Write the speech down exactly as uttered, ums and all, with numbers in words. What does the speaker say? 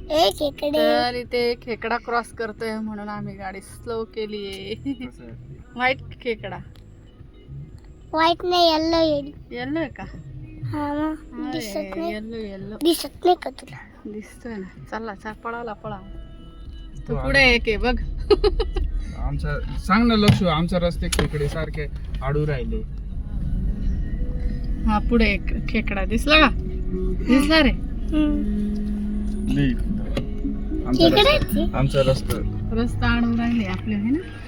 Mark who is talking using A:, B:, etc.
A: एक इकडे.
B: तर इथे खेकडा क्रॉस करतोय म्हणून आम्ही गाडी स्लो केली आहे. व्हाईट खेकडा.
A: व्हाईट नाही येल्लो येईल.
B: येल्लो आहे का?
A: हा मग दिसत नाही.
B: येल्लो येल्लो
A: दिसत नाही का तुला?
B: दिसतोय ना. चला चल पळाला पळा. तू पुढे एक आहे बघ.
C: आमचा सांग ना लक्ष, आमचा रस्ते खेकडे सारखे आडू राहिले.
B: हा पुढे एक खेकडा दिसला का? दिसला रे.
C: आमचा रस्ता आमचा रस्ता
B: रस्ता अडवून राहिले आपले है ना.